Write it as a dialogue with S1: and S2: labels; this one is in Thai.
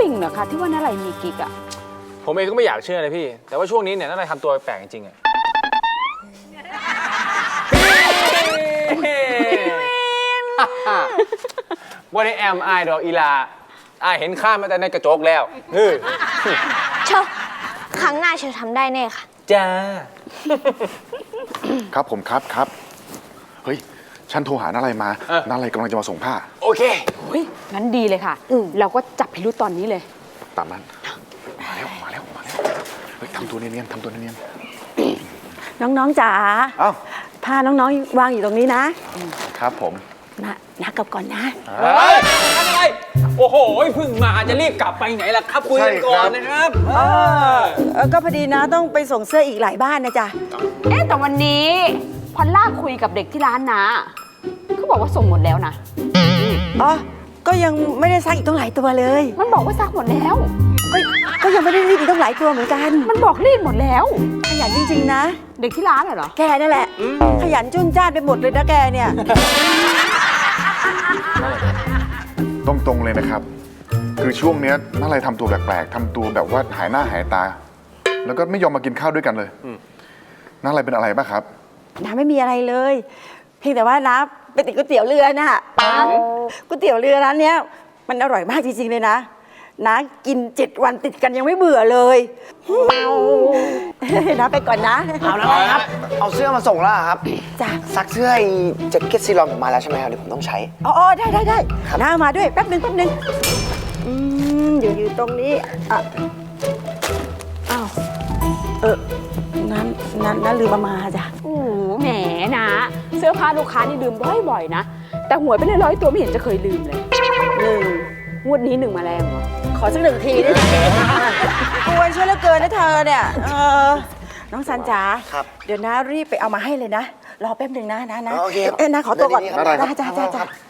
S1: งเหรอคะที่ว่านาไรมีกิ๊กอะ
S2: ผมเองก็ไม่อยากเชื่อเลยพี่แต่ว่าช่วงนี้เนี่ยนาไรทำตัวแปลกจริงๆอะว่าในแอมไอดอกอีลาเห็นข้ามาแต่ในกระจกแล้ว
S3: เชอครั้งหน้าเชอทำได้แน่ค่ะ
S2: จ้า
S4: ครับผมครับเฮ้ยฉันโทรหาอะไรมาอะไรกำลังจะมาส่งผ้า
S2: โอเค
S1: งั้นดีเลยค่ะเราก็จับพิรุธตอนนี้เลย
S4: ตามนั้นมาแล้วเฮ้ยทำตัวเนียน
S5: น้องๆจ๋าผ้าน้องๆวางอยู่ตรงนี้
S4: ครับผม
S5: นะกลับก่อนนะ
S2: อะไรโอ้โหเพิ่งมาจะรีบกลับไปไหนล่ะครับคุยกันก่อนนะครับ
S5: ก็พอดีนะต้องไปส่งเสื้ออีกหลายบ้านนะจ๊ะ
S1: แต่วันนี้พอลล่าคุยกับเด็กที่ร้านนะเขาบอกว่าส่งหมดแล้วนะ
S5: ก็ยังไม่ได้ซักอีกต้องหลายตัวเลย
S1: มันบอกว่าซักหมดแล้ว
S5: ก็ยังไม่ได้รีดอีกต้องหลายตัวเหมือนกัน
S1: มันบอกรีดหมดแล้ว
S5: ขยันจริงๆนะ
S1: เด็กที่ร้านเหรอ
S5: แกนั่นแหละขยันจุนจ้านไปหมดเลยนะแกเนี่ย
S4: ตรงๆเลยนะครับคือช่วงนี้น่าอะไรทำตัวแปลกๆทำตัวแบบว่าหายหน้าหายตาแล้วก็ไม่ยอมมากินข้าวด้วยกันเลยน่าอะไรเป็นอะไรบ้างครับ
S5: น้าไม่มีอะไรเลยเพียงแต่ว่าน้าไปติดก๋วยเตี๋ยวเรือน่ะก๋วยเตี๋ยวเรือร้านเนี้ยมันอร่อยมากจริงๆเลยนะน้ากิน7 วันติดกันยังไม่เบื่อเลยน้าไปก่อนนะ
S6: เอาแล้วครับเอาเสื้อมาส่งแล้วครับ
S5: จ้ะ
S6: ซักเสื้อแจ็คเก็ตซีลอนผมมาแล้วใช่ไหมครับเดี๋ยวผมต้องใช้
S5: ได้น้ามาด้วยแป๊บนึงอยู่ตรงนี้อ้าวนั้นลืมมาจ้ะ
S1: โอ้แหมนะเสื้อผ้าลูกค้านี่ลืมบ่อยๆนะแต่หวยไปเลย100 ตัวไม่เห็นจะเคยลืมเลยงวดนี้1มาแรงเหรอ
S5: ขอสัก1 ทีได้ไหมกวนช่วยเหลือเกินนะเธอเนี่ยน้องซันจ๋าเดี๋ยวน้ารีบไปเอามาให้เลยนะรอแป๊บนึงนะ
S6: โอเค
S5: น้าขอตัวก่อน
S4: ได้
S5: จ้า